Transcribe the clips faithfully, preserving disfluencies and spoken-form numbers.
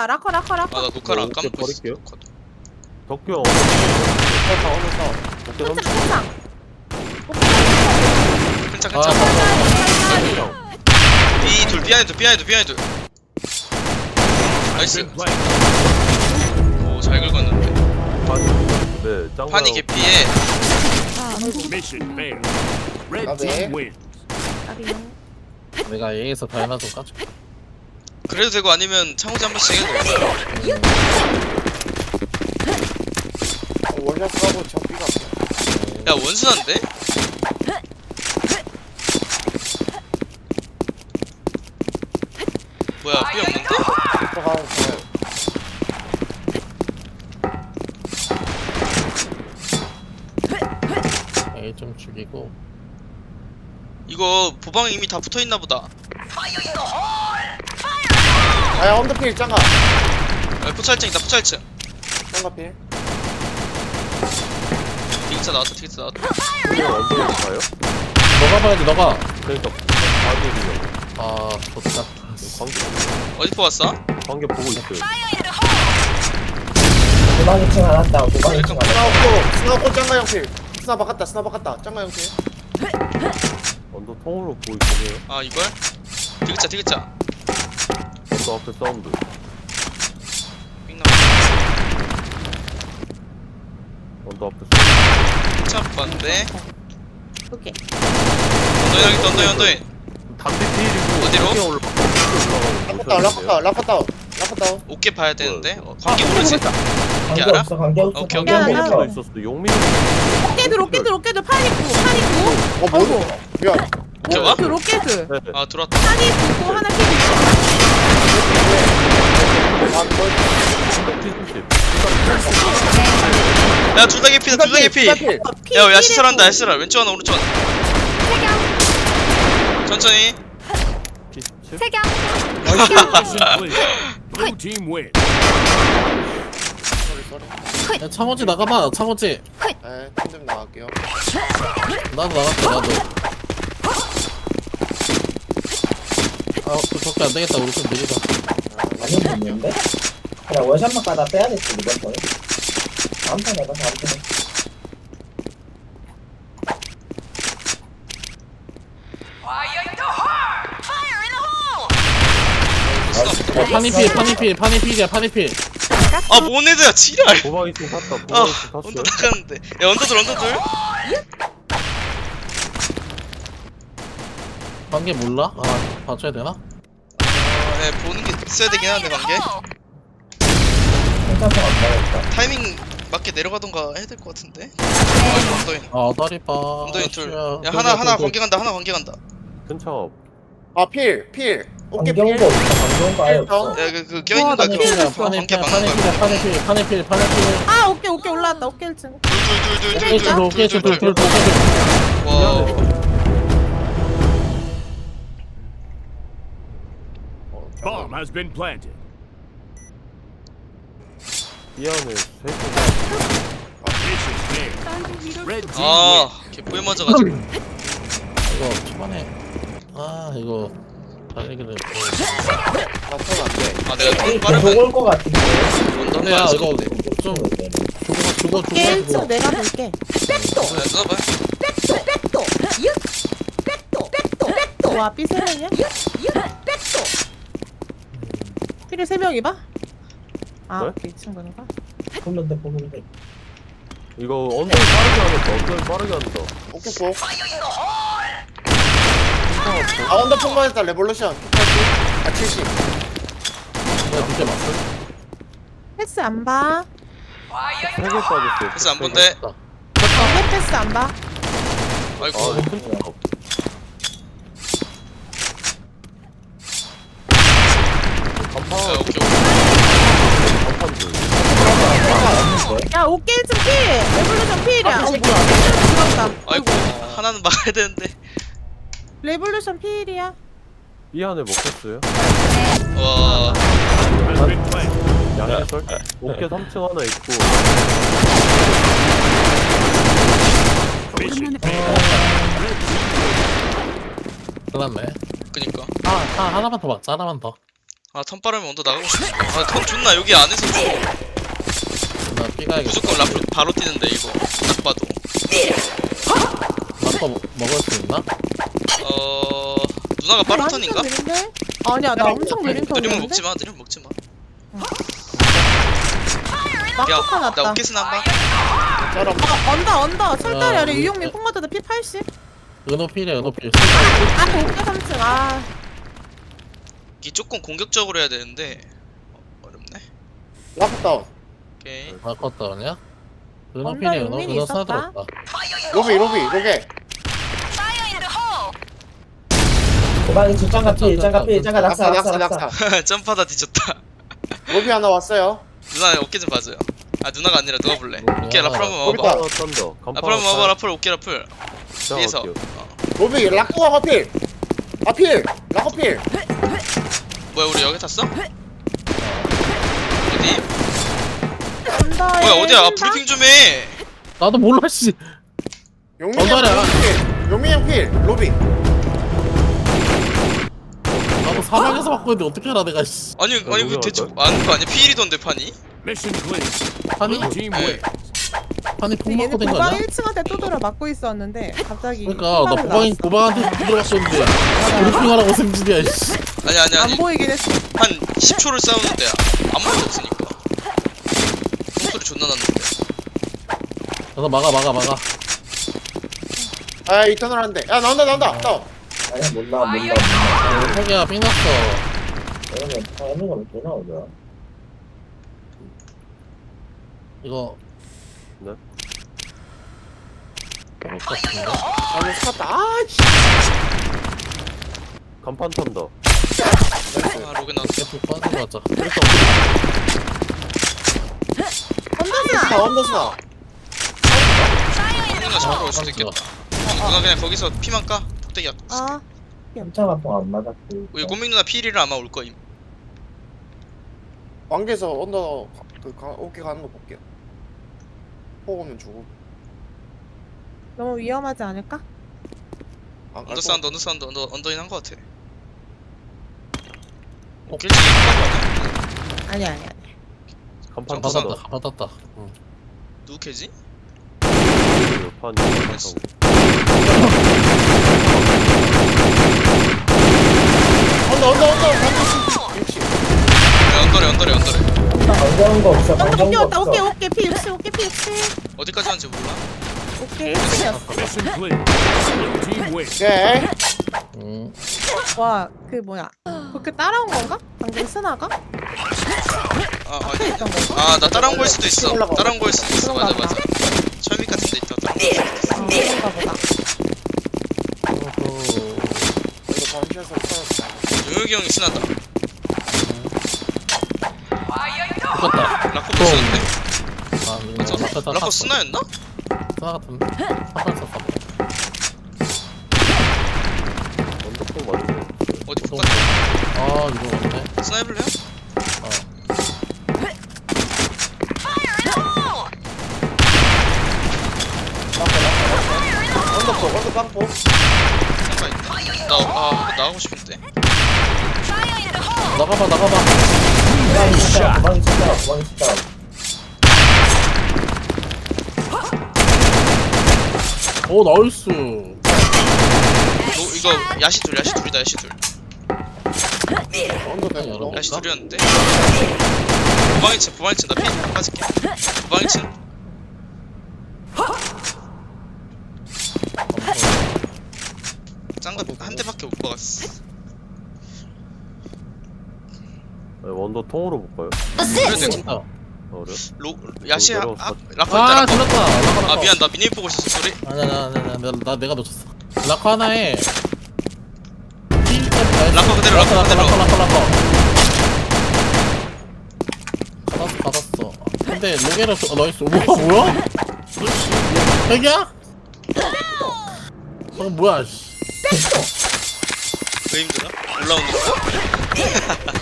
라커다 라커 라커 라커. 아나 녹화를 안 뭐, 까먹고 있어. 버릴게요. 녹화도. 덕규 형 어느 어느 사 오케이 큰창 삼 큰창. 괜찮 괜찮. 형 B 둘 비하인드 비하인드 비하인드. 나이스. 오잘 긁었는데. 파니 네 짱구 파니 개피에 Mission failed. Red Okay. team wins. 내가 A에서 다이나 좀 까줘. 그래도 되고 아니면 창호지 한 번씩 해도 돼. 원샷 쏴고 저 B가 야 원순한데? 뭐야 B 없는데? 들어가면 좋아요. A 좀 죽이고. 이거 보방에 이미 다 붙어있나 보다. 아야 언더필 짱가 야, 포찰증이다 포찰증. 짱가필. 디귿자 나왔다 디귿자 나왔다. 형 언더로 가요? 너가 봐야지 너가. 그러니까 봐드리려고 아 좋다. 관계 어디 뽑았어? 관계 보고 있어요 도방 이 층 하나 다운, 도방 이 층 하나 스나 없고 스나 없고 짱가 형필. 스나 바꿨다 스나 바꿨다 짱가 형필. 언더 통으로 보고 있어요 아 이걸? 디귿자 디귿자. 언더 앞에 사운드 빅나. 언더 앞에 사운드 차 뽑았는데. 오케이. 언더인 하겠다 언더인 언더인. 담배 피일이고 어디로? 관계 올라 라커 다운 라커 다운 라커 다운 라커 다운. 어깨 봐야 되는데. 어, 관계 모르지? 관계 관계 알아? 없어, 관계 없어. 오케이, 관계 오케이. 야, 없어. 나- 용민도 있었어 용민 로켓들 로켓들 로켓들 파니쿠 파니쿠. 어 뭐야? 야 오케이, 와? 로켓 로켓. 네. 아 들어왔다. 파니쿠 하나 킬 있어. 아 그걸 야 둘 다 개피다 둘 다 개피. 짱가필. 야 야시설한다 야시설. 왼쪽 하나 오른쪽 하나. 천천히. 세경. Mission clear. Blue team wins. 쏘리 쏘리. 야 창호지 나가봐. 창호지. 네, 팀좀 나갈게요. 나도 나갈게 나도. 아 그렇게 안 되겠다. 우리 좀 느리다. 완전 좋는데? 그냥 원샷만 까다 빼야겠지, 이번 번에. 다음 판에 가서 다음 판에. 어 파니필 파니필 파니필이야 파니필. 아 모네드야 지랄. 도박 이층 탔다 아 도박 이층 언더 탔어요 나가는데. 야 언더들 언더들. 관계 몰라? 아 봐줘야 되나? 네 보는 게 있어야 되긴 하는데 관계. 괜찮아, 안 나겠다. 타이밍 맞게 내려가던가 해야 될 것 같은데. 아 언더인. 아 다리 봐. 언더인 둘. 씨야. 야 하나 하나 관계 간다 하나 관계 간다. 근처 아 필, 필. 어깨 관계 필. 온거 없어, 관계 온거 아예 없어. 야그그 껴있는 거야 나 그거. 필이야, 관계 파니필 막는 파니필 거야. 파니필 파니필 파니필. 아 오케이 오케이 올라왔다 오케이 일 층. 오케이 줄 오케이 줄줄줄줄 와. Bomb has been planted. 미안해 세 Mission failed. Red team 아, wins. 걔 포에 맞아가지고. 이거 초반에 아 이거 달리기를 나턴 안 돼. 아, 내가 좀 계속 빠르면 올거 같은데. 언더 야 빠르지. 이거 네, 좀 죽어 죽어 오케이 일 층 죽어 내가 볼게. 써봐. 백도 백도 백도 백도 백도. 와 B 세 명이야? 백도. 필이 세 명이 봐? 아 네? 오케이 이 층 보는가? 보는데, 보는데. 이거 언더 빠르게 하겠다 언더 빠르게 한다 어깨 쏘. 아 언더 폭만했다 레볼루션. 아 칠십. 내가 밑에 맞어 패스 안 봐. 세 개 빠졌어요 패스 안 본대. 왜 패스 안 봐? 아이고. 아 이거 근처 간판 야, 오케이, 오케이. 간판 둘 야 오케이 일 층 필. 레볼루션 필이야. 어 뭐야? 죽었다. 아이고, 하나는 막아야 되는데. 레볼루션 필이야. 이 안에 먹혔어요 와. Has been planted. 양해설 어깨 삼 층 하나 있고 Mission failed. Red team 끝났네 그니까. 아, 아 하나만 더 맞자 하나만 더 아 턴 빠르면 언더 나가고 싶어. 아턴 존나 여기 안에서 줘. 나 삐가야겠다. 무조건 라플 바로 뛰는데 이거 딱 봐도. 라커 먹- 먹을 수 있나? 어 누나가 빠른 턴인가? 완전 느린데? 아니야 나 엄청 느린 느리면 턴이었는데? 먹지 마. 느리면 먹지 마. 막폭 하나 나 났다. 오케스나 한 방. 쩔어. 아 언더 언더 철다리 야, 아래 우리- 유용민 폭 맞아도 피 팔십? 은호 필이야 은호 필. 아 오케 삼 층 아 이게 조금 공격적으로 해야 되는데 어, 어렵네. 라프 다운. 오케이. 바꿨다 아니야? 은호 언더 필이야 은호 용민이 은호 있었다. 사들었다. 로비 로비 로게. 도망이 뒷장가 피 일장가 피 일장가 낙사 낙사 낙사 낙사 낙사 낙사. 점프하다 뒤졌다. 로비 하나 왔어요. 누나 어깨 좀 봐줘요. 아 누나가 아니라 누가 볼래? 오케이 라플 한번 로비 먹어봐. 다운. 던더. 라플 한번 먹어봐. 라플 오케이 라플. 뒤에서. 어. 로비 라쿠가 커필. 아필. 라커필. 뭐야 우리 여기 탔어? 어디? 언더에 뭐야 어디야? 아, 한 방? 브리핑 좀 해. 나도 몰라 씨. 용민이 형 언더래. 필. 용민이 형 필. 로비. 나도 사방에서 받고 있는데 어떻게 알아 내가 씨. 아니 아니 그 누구야, 대체 너? 아는 거 아니야? 피일이던데 판이? Mission clear. 판이 Blue team 네. wins. 판이 폭 얘는 맞고 된 거 도방 아니야? 일 층한테 또 돌아 맞고 있었는데 갑자기 그러니까 나 폭발을 보방이 나왔어. 보방한테 들어갔었는데 브리핑하라고 생질이야 씨. 아니 아니 안 아니 보이긴 했어. 한 십 초를 싸우는데 아무 말도 없으니까. 목소리 존나 났는데. 가서 막아 막아 막아. 아 이터널 한대. 야 나온다 나온다. 다운. 아니야 몰라 몰라 몰라 아, 혁이야 삥 났어. 이러면 하는 거는 또 나오죠 이거 네? 먹을 것 같은데? 아니 스카타. 아 씨. 간판 던더. 아 로그 나왔어. 계속 빠져가자. 언더스나 다 언더스나. 누나 잡으러 올 수도 있겠다. 누나 그냥 거기서 피만 까. 폭대기 약. 아 깜짝아 안 맞았고 우리 고민 누나 피일이를 아마 올 거임. 왕계에서 언더 그 가, 오케이 가는 거 볼게요. 포 오면 주고. 너무 위험하지 않을까? 안 갈 언더 거. 사운드 언더 사운드 언더 언더인 한 거 같아. 어? 길치 깜빡 아니야? 아니 아니 아니. 간판 점프 던더. 받았다 받았다. 응. 누구 캐지? 판 됐어. 언더 언더 언더. 반드시 육십. 네, 언더래 언더래 언더래. 반가운 거 없어 언더 반가운 거 옮겨왔다. 없어 오케이 오케이 피 육십 오케이 피 육십. 어디까지 하는지 몰라. 오케이 일 층이었어. Mission clear. Blue team wins. 오케이. 응. 와 그 뭐야 그렇게 따라온 건가? 방금 스나가? 아 앞에 아니. 있던 건가? 아 나 따라온 거일 수도 있어. 올라가. 따라온 거일 수도 있어. 맞아 그런가 맞아. 철밑 같은 데 있다. 따라온 거일 수도 있어. 아 그런가 보다. 어허. 이거 반샷을 찾았다. 용혁이 형이 신난다. 죽었다. 라코 못 쓰는데? 아 맞아. 이거 라커 라코 스나였나? 스나 같은데? 한발 썼다. 던더 폭 맞은 거. 어디 또. 폭 같아? 아 이거 맞네. 스나 해볼래요? 어. 언더 포 언더 빵포. 상가 있네. 나아 나가고 싶은데. 나가봐 나가봐. 도망이 진짜 도망이 진짜 도망이 진짜 오 나이스. 너 이거 야시 둘 야시 둘이다 야시 둘. 언더 아니, 대고. 여러분. 야시 둘이었는데. 부방이 친 부방이 친나 피 빠질게. 부방이 친. 짱가 한 대밖에 못 박았어. 아니, 원더 통으로 볼까요? 그래도 돼. 진짜. 어, 그래? 로 야시 아 내려왔어. 라코 아 있다 라코. 들었다. 라커 라커. 아 미안 나 미니맵 보고 있었어 소리. 아니야 나, 나, 나, 나, 나 내가 놓쳤어. 라커 하나에 라커 그대로, 라커 그대로. 라커 라커 라커 받았어 받았어. 근데 로게를 어, 나이스. 우와 뭐야? 핵이야? 어 뭐야 씨. 왜 힘들어? 올라오는 거야?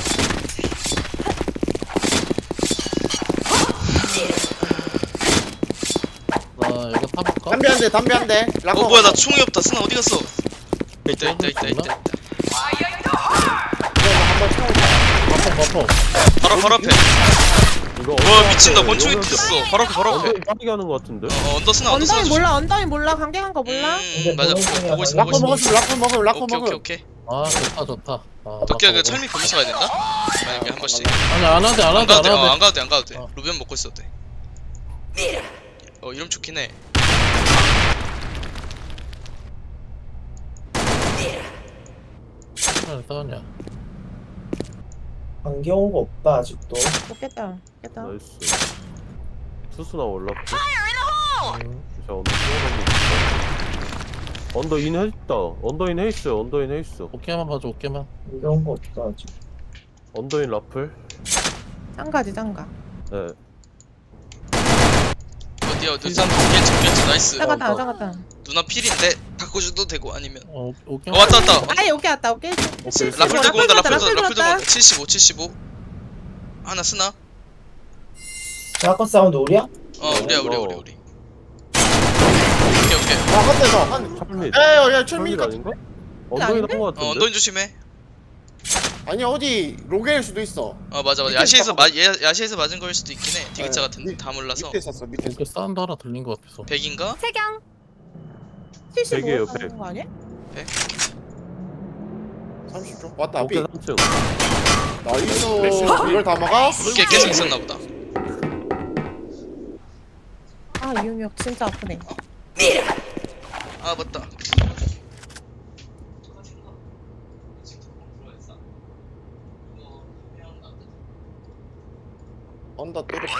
나 이거 타볼까? 담배 한 대, 담배 한 대. 라커. 어 뭐야 나 총이 없다. 스나 어디 갔어? 있다 있다 있다 있다 있다. 이거 한번 채워봐. 버퍼. 바로 바로 앞에. 이거 와 미친다. 언더 권총이 앞에 튀었어. 바로 앞에 바로 앞에. 언더인 빠르게 하는 거 같은데? 어 언더 스나 언더 스나 언더인 조심. 몰라 언더인 몰라 관계한 거 몰라. 음 맞아. 보고 있어 보고 있어. 라커 먹었음 라커 먹음 라커 오케이 오케이 먹음. 오케이. 아 좋다 좋다. 아, 도끼야 그 나도 철미 보면서 가야 된다. 만약에 한 번씩. 아니 안 하대 안 안 하대 가도 안 돼. 어, 하대. 안 가도 돼. 안 가도 돼. 어. 루벤 먹고 있어도 돼. 어 이름 좋긴 해. 시간을 싸웠냐? 관계 온 거 없다 아직도. 깼다 깼다. 나이스. 투수나 올라프. 음. 자 언더 쏘는 거. 언더인 했다. 언더인 헤이스. 언더인 헤이스. 어깨만 봐줘 어깨만. 관계 온 거 없다 아직. 언더인 라플. 짱가지 짱가. 네. 어디야 어디 산 겠지 겠지 나이스. 짱갔다 짱갔다. 누나 필인데 바꿔줘도 되고 아니면. 어 어깨. 어 왔다 왔다. 아이 오케이 왔다 오케이. 오케이. 라플 들고 온다. 라플 들고 라플 라플 들고 들었다. 온다. 칠십오 칠십오. 하나 쓰나? 라커 사운드 우리야? 어 우리야 우리 우리 우리. 오케이 오케이. 아한 대서 한. 철밋. 에야 철밋 철민이 아닌가? 언더인 한거 어 같은데? 언더인 조심해. 아니 어디 로게일 수도 있어. 어 맞아 맞아. 밑에 야시에서 있다고. 마 야- 야시에서 맞은 거일 수도 있긴 해. 디귿자 네, 같은데 밑- 다 몰라서. 밑에 있었어 밑에. 어깨 사운드 하나 들린 거 같아서. 백인가? 세경 백이에요, 칠십오 백. 하는 거 아니야? 삼십 초. 왔다 오케이 삐. 삼 층. 나이스. 이걸 다 막아? 오케이 계속 있었나 보다. 아 이용혁 진짜 아프네. 아 맞다. 언더 뚫을게요.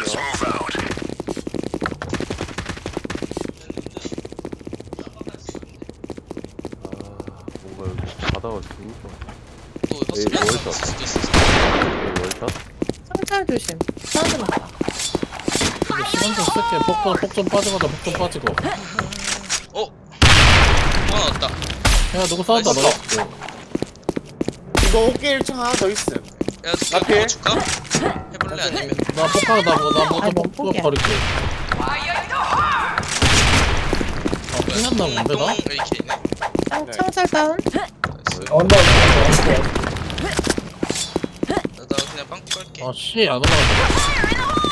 아 뭔가 여기 바다가 진짜. 또 에이, 헛소리 하는 월샷. 수도 있어. 여기 월샷. 상찰 조심. 사운드 났다. 이거 시간 좀 쓸게. 폭좀 폭좀 빠지고다 폭좀 빠지고. 어? 하나 왔다. 야 누구 싸운다 너. 나이스. 이거 어깨 일 층 하나 더 있음. 야 누가 앞에? 그거 줄까? 해볼래 아니면? 나 폭하고 나뭐 아, 나뭐 못 좀 포기해. 버릴게. 아 끝났나 본데 나? 에이케이네. 짱 네. 창살 다운. 나이스. 언더 언더. 나, 나 그냥 빵꾸 깔게. 아씨 안 올라간다.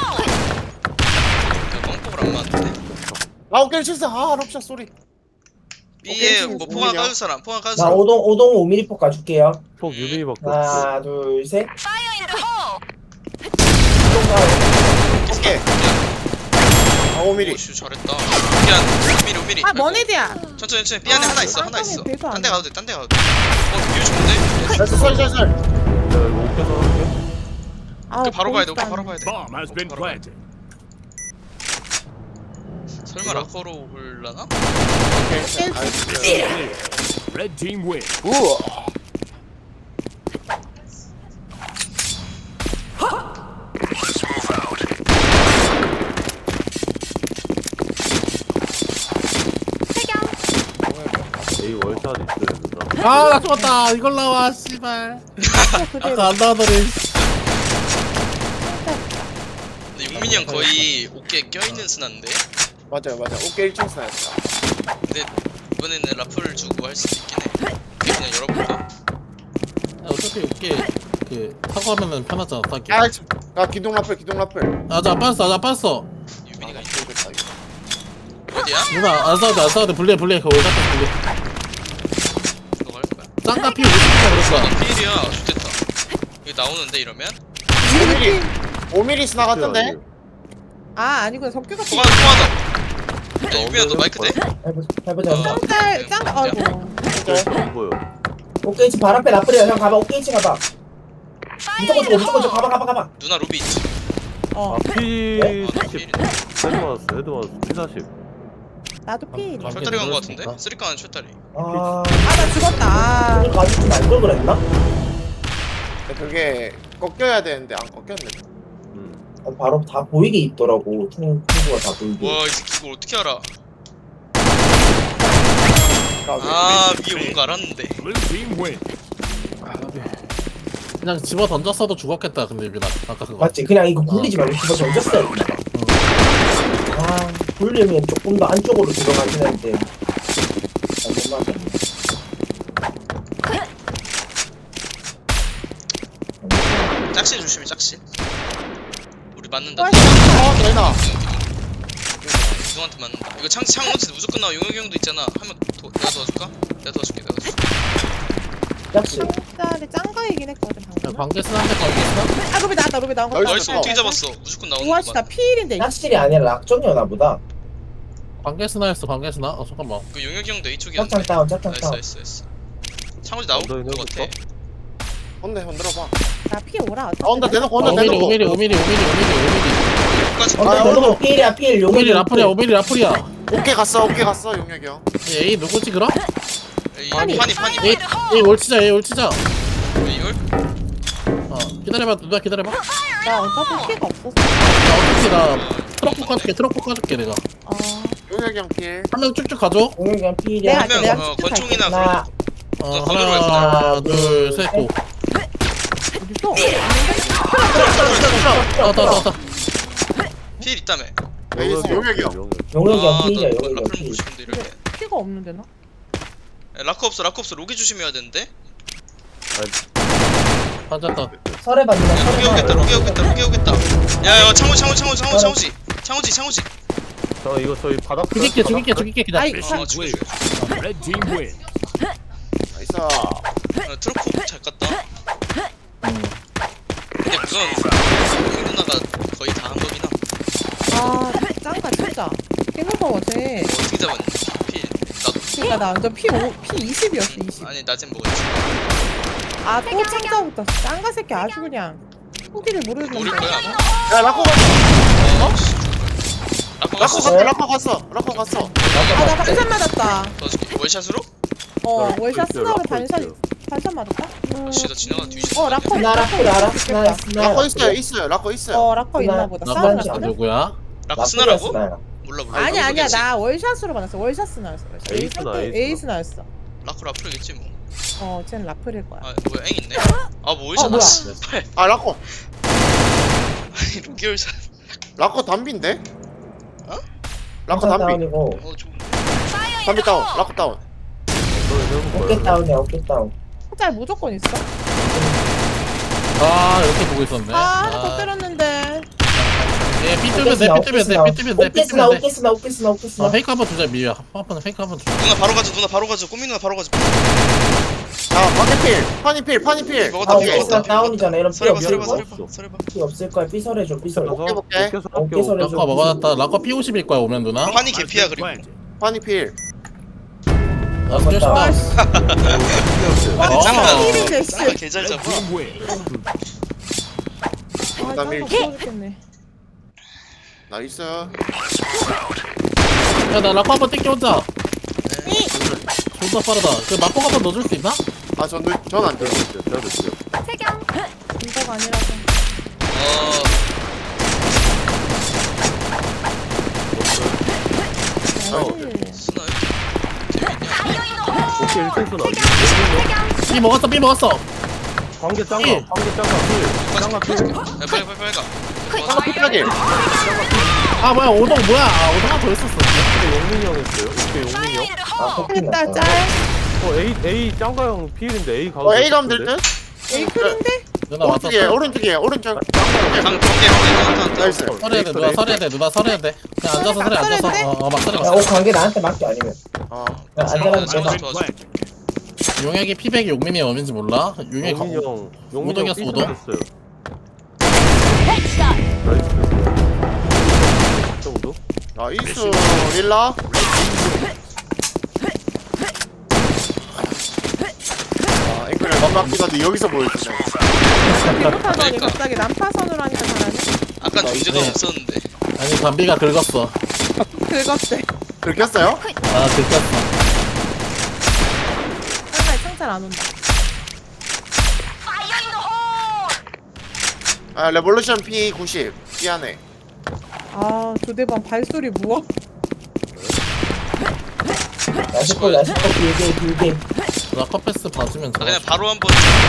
야 빵꾸를 안 맞는데? 아 어깨 일 층 아 럽샷 소리. B에 오케이, 뭐 지금 포항 보이냐? 까줄 사람? 포항 까줄 나 사람? 오동 오동 오 밀리미터 가줄게요. 폭 유빈이밖에 없어. 하나 둘 셋. 파이어 인더 홀 오동 가요. 어깨. 아 오 밀리미터. 오슈 잘했다. 미안. 오 밀리미터 오 밀리미터. 아 머네드야. 천천히 천천히. B 안에 아, 하나 있어 아, 하나 있어. 별거 딴 데 아니야. 가도 돼 딴 데 가도 돼. 어 되게 좋은데? 나이스 설설설. 야 이거 어깨서 할게. 아 그 바로 가야 돼 오케이 바로 가야 돼. Bomb has been planted. 설마 라커로 올라나? 오케이. 나이스. Red team win. 우와. 세경 A 월샷 있어요 누나. 아나 죽었다. 이걸 나와 씨발. 그대로. 아까 안 나와더니. 근데 용민이 형 거의 어깨에 껴있는 스나인데? 맞아요 맞아. 어깨 일 층 스나였어. 근데 이번에는 라플을 주고 할 수도 있긴 해. 그냥 열어볼까? 어차피 어깨 그 타고 하면은 편하잖아 타기. 아, 참. 아 기둥 라플 기둥 라플. 아나 빠졌어 나 빠졌어. 유민이가 아, 있 모르겠다, 이거. 어디야? 누나 안 싸워도 안 싸워도 불리해 불리해 그거 올라가 불리해. 너가 할 거야? 짱가 피 오십 점 그랬어. 나 필이야. 좋겠다. 이거 나오는데 이러면? 오 밀리미터. 오 밀리미터 스나 같은데? 아 아니구나 석규가 통화 통화다. 야 유민아 너 마이크 돼? 해보자 해보자. 어. 짱짤 짱 아이고. 안 보여. 오케이 지 발 앞에 라플이야. 형 가봐. 오케이 지 가봐. 무조건 주고 무조건 주고 가봐 가봐 가봐. 누나 로비 있지? 어 아 P 아, 나 사십. 필이네. 헤드 맞았어. 헤드 맞았어. P 사십. 나도 필. 아, 철다리 간 거 같은데? 그럴 수 있다. 쓰리카는 철다리. 아. 아나 죽었다. 아. 오늘 가지고 말걸 그랬나? 그게 꺾여야 되는데 안 꺾였네. 음. 어, 바로 다 보이게 있더라고. 퉁 퉁구가 다 보이게. 와 이 새끼 이걸 어떻게 알아? 까비. 아 위에 오는 거 알았는데. Blue team win. 그냥 집어 던졌어도 죽었겠다 근데 유빈아 아까 그거. 맞지? 그냥 이거 굴리지 말고 집어 던졌어야 돼. 아, 굴리면 조금 더 안쪽으로 들어가긴 했는데. 아, 못 맞았네. 짝실 조심해 짝실. 우리 맞는다. 와, 어 내놔. 누구한테 맞는다. 이거 창 창호지 무조건 나와. 용혁이 형도 있잖아. 한명 내가 도와줄까? 내가 도와줄게. 내가 도와줄게. 짝시. 짤이 짱가이긴 했거든 야, 방금. 관계스 한대 관계스. 아 로비 나왔다 로비 나온 거. 나이스. 나이스 어떻게 잡았어? 무조건 나오는 우아씨 나 거만. 피일인데. 짝실이 아니라 락정이었나 보다. 관계스나였어 관계스나. 어 잠깐만. 그 용혁이 형도 A쪽이었는데. 짝창 다운, 짝창 나이스 다운. 나이스 나이스. 창호지 나올 언더인 것 같아. 해볼까? 혼내 혼들어봐. 나피 오라. 아 혼자 대놓고 혼자 오미리 대놓고. 오미리 오미리 오미리 오미리 오미리. 여기까지. 언더 아, 대놓고 필이야 필. 오미리 용이 라플이야 오미리 라플이야. 오케이 갔어 오케이 갔어 용혁이 형. 에이 누구지 그럼? 에이, 아니. 파니 파니 에이 에이 올치자 에이 올치자. 이걸? 어 기다려봐 누나 기다려봐. 나 나 어차피 피가 없었어. 어차피 나 트럭 깎아줄게 트럭 깎아줄게 내가. 아 용혁이 형 필. 한 명 쭉쭉 가줘. 용이 그냥 필이야. 내가- 한명 내가 어, 직접 권총이나 그런 하나. 어 너 건드려 갈 하나 둘셋 고. 어딨어? 왔다 왔다 왔다. 필 있다며. 에이스 용혁이 형. 용이 그냥 아, 필이야. 너 용이 라플 그냥 먹고 필. 싶은데 이렇게. 피가 없는데 나? 야, 라커 없어 라커 없어. 로기 조심해야 되는데. 앉았다. 설에 받는다. 야, 로기 설에 오겠다 받는다. 로기 오겠다 로기 오겠다. 야야 창호 창호 창호 창호 창호지 창호지 창호지. 저 이거 저희 바닥. 죽일게 죽일게 죽일게 기다려. 아이 Mission 어, 죽여, clear. 죽여. Red team win. 나이스. 어, 트로코 잘 깠다. 음. 근데 그건 용희 누나가 거의 다 한 거긴 함. 아 짱가 진짜. 깨무서워 쟤. 뭐 어떻게 잡았니? 필 나도. 그니까 나 완전 피 오, 피 이십이었어 이십. 아니 낮엔 먹었지. 아또 창자부터 짱가 새끼 아주 그냥. 후기를 모르는데. 모를 거야 아마. 야 라커 갔어. 어? 씨. 라커 라커 갔어. 갔어 라커 갔어 라커 갔어. 아나 반샷 맞았다. 도와줄게. 월샷으로? 어 나 월샷 있어요, 스나로 라커 반샷 있어요. 반샷 맞았다? 음. 아씨 나 지나가 뒤집어. 어 라커 나 라플 알아. 스나야 스나야. 라커 있어요 있어요 라커 있어요. 어 라커 있나 보다. 나 싸우는 반샷. 거. 누구야? 라커 스나라고? 스나야. 몰라 몰라. 아니 아니야 모르겠지. 나 월샷으로 받았어. 월샷 스나였어. 에이스나, 에이스나. 에이스나였어. 라커 라플이겠지 뭐. 어 쟤는 라플일 거야. 아 뭐야 앵 있네. 아뭐 월샷 어, 뭐야. 났어. 팔. 아 라커. 아니 로기 월샷. 라커 담비인데? 어? 라커 담비. 다운이고. 어 좋은. 담비 다운. 라커 다운. 어깨 다운이야 어깨 다운. 짤 무조건 있어. 아 이렇게 보고 있었네. 아 하나 더 때렸는데. 예, 삐 뜨면 돼, 삐 뜨면 돼, 삐 뜨면 돼, 삐 어깨 스나 뜨면 돼. 어깨 스나 어깨 스나 어깨 아, 스나. 페이크 한번 주자, 미야. 한번 페이크 한번 주자. 누나 바로 가자 누나 바로 가자. 꼬미 누나 바로 가자. 야 파니 필. 파니 필. 파니 필. 먹었다 아, 먹었다. 어깨 스나 다운이잖아. 이런 삐 설해봐 없을 설해봐 거. 설해봐 설해봐. 삐 없을 거야. 삐 설해줘 삐 설해. 오케이, 오케이. 어깨 설해. 라커 먹어놨다. 라커 피 오십일 거야, 오면 누나. 파니 개피야 그리고. 파니 필. 나 스녀시다. 와 씨. 와 어. 짱가 일인데 씨. 짱가 개잘 Red 잡아. team win. 아 짱가 밀- 부러졌겠네. 나이스. 야, 나 라커 한번 땡겨오자. 존나 빠르다. 그 막고 한번 넣어줄 수 있나? 아 전 전안 돼. 태경. 인터가 아니라서. 어 아니. 스나요? 오케이 일등 쓰나. 삐 먹었어, 삐 먹었어. 관계 짱가. 일. 관계 짱가. 필. 짱가 필. 야 빨리 빨리 빨리 가. 하나 필하게. 아, 뭐야, 오동 뭐야. 아, 오동 하나 더 있었어. 오케이 용민이 형 했어요. 오케이 용민이 형. 아 폭 했다 났다. 짤. 어 A A 짱가 형 필인데 A 가도. 어 A 가면 될 듯? 에이 클인데? 누나 왔어. 오른쪽에 오른쪽에 오른쪽. 강 관계 관계 나이스. 설해야 돼, 누나 설해야 돼, 누나 설해야 돼. 그냥 앉아서 설해, 앉아서. 설해야 돼? 어, 어, 막 설해, 막 야, 설해. 어 관계 나한테 맡겨 아니면. 어. 야, 잘 안전하게 맞아, 내놔. 잘 맞아. 용액이 피백이 용민이 어딘지 몰라? 용액이 용민이 가... 형. 용민이 형 오동이었어, 삐 오동? 됐어요. 헤드샷. 나이스. 정도? 나이스. 릴라. 아 앵글을 반박보다도 여기서 보여주네. 비슷하더니 그러니까. 갑자기 난파선으로 하니까 잘하네. 아까 존재감 네. 없었는데. 아니, 담비가 긁었어. 긁었대. 들켰어요? 아, 긁혔어. 짱가에 창잘 안 온다. Fire in the hole. 아 레볼루션 피 구십. 미안해. 아 조대방 발소리 무엇? 야식골 야식골 길게 길게. 라커 패스 봐주면 아 좋아. 그냥 바로 한번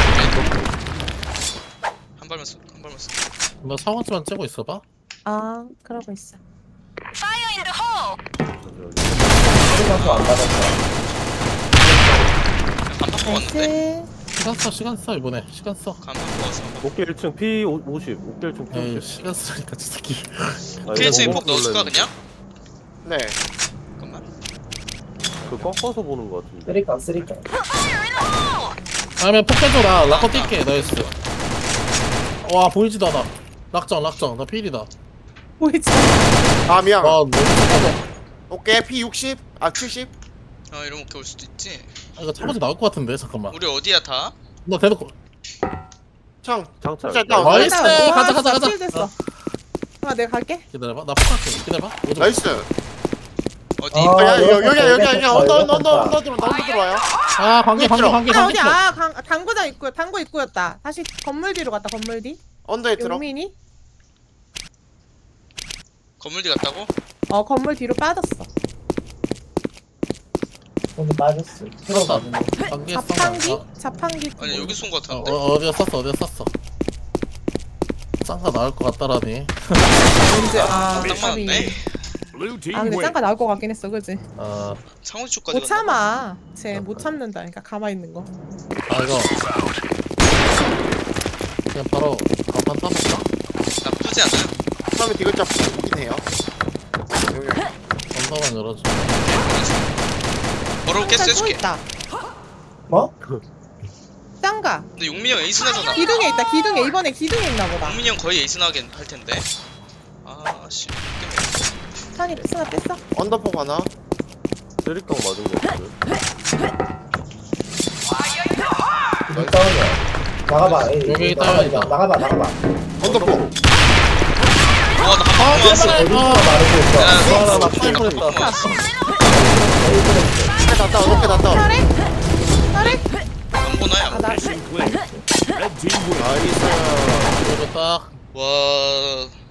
한 발만 쏘, 한 발만 쏘. 너 상원치만 째고 있어봐. 아 그러고 있어. Fire in the hole. 소리가 또안 받았어. 반박 뽑았는데. 나이스. 시간 써 시간 써 이번에 시간 써. 가면 모아서 한번. 어깨 일 층 피 오십. 어깨 일 층 피 에이 오십. 시간 쓰니까 저 새끼. 오케이 층에 폭 넣어줄까 그냥? 네. 잠깐만. 그 꺾어서 보는 거 같은데. 쓰리깡 쓰리깡. 다음에 폭해줘 나 락커 뛸게 나이스. 와 보이지도 않아. 락정 락정 나 필이다. 보이지? 아 미안. 와 너무 착하다. 오케이 피 육십. 아 칠십. 아 이러면 오케이 올 수도 있지. 아, 이거 차고지 나올 것 같은데 잠깐만. 우리 어디야 다? 나 대놓고. 창. 장착. 진짜 나 나이스 와, 가자 가자 진짜 가자. 킬 됐어. 아 내가 갈게. 기다려봐 나 폭할게 기다려봐. 오지 마. 나이스. 어디? 아, 아, 야, 이거 여기 여기 여기 떴다, 여기 이거 언더 언더 떴다. 언더 언더 들어 언더 들어와요. 아 관계 관계 관계 아 관계. 어디 아 강, 당구장 입구 당구 입구였다. 다시 건물 뒤로 갔다 건물 뒤. 언더에 들어. 용민이? 건물 뒤 갔다고? 어 건물 뒤로 빠졌어. 근데 빠졌어. 떴다. 들어가네. 관계 자판기? 써. 자판기. 아니 여기 쏜거 어, 같은데? 어 어디가 썼어 어디가 썼어. 쌍가 나올 것 같다라니. 언제 아 딱 까비. 맞네. Blue team 아 근데 wins. 짱가 나올 것 같긴 했어 그지? 아, 창호지 쪽까지 못 갔나 봐. 참아. 쟤 못 참는다. 그러니까 가만히 있는 거. 아 이거 그냥 바로 간판 타볼까? 나쁘지 않아요. 처음에 디귿자 보긴 해요. 여기. 건서만 열어줘. 바로 깨스 또 해줄게. 있다. 뭐? 짱가. 근데 용민이 형 에이스 나잖아. 기둥에 있다. 기둥에 이번에 기둥에 있나 보다. 용민이 형 거의 에이스 나게 할 텐데. 아씨. 찬이 스나 뺐어? 언더폭 하나. 쓰리깡 맞은 거 같은데. 이거 싸우냐? 나가봐. 에이, 여기 있다, 나가봐, 여기 있다. 나가봐 나가봐. 언더폭. 와나 아 한번 맞았어. 제발. 어디서 아, 마르고 있어. 야, 아, 나 나 파인 보냈다. 어깨 다 다운. 어깨 다 다운. 잘해? 잘해? 안 보나요? 아, 나 Mission clear. Red team wins. 나이스. 이거 딱 와